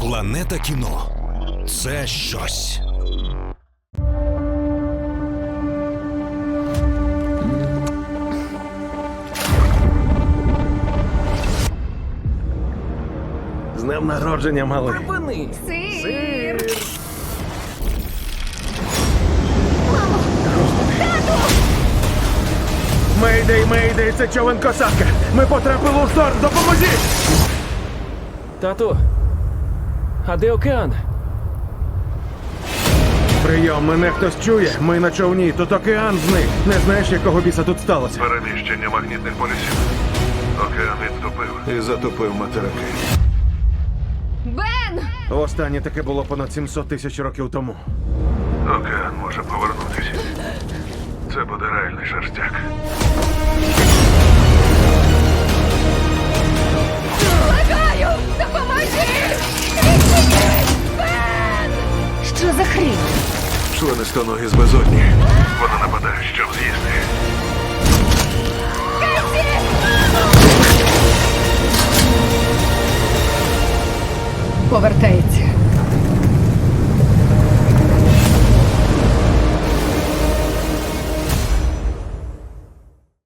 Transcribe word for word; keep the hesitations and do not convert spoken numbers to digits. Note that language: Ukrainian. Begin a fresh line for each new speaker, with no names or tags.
Планета кіно – це щось.
З днем народження, малий.
Припини!
Сир!
Мейдей, мейдей, це човен косатка. Ми потрапили у шторм, допоможіть!
Тату, а де океан?
Прийом, мене хтось чує. Ми на човні, тут океан зник. Не знаєш, якого біса тут сталося?
Переміщення магнітних полюсів. Океан відтопив і затопив материки.
Бен!
Останнє таке було понад сімсот тисяч років тому.
Океан може повернутися. Це буде реальний шерстяк.
Благаю! Допоможи! Відчиніть! Бен! Що за хрінь?
Членистоногі з безодні. Вона нападає, щоб з'їсти.
Повертайся.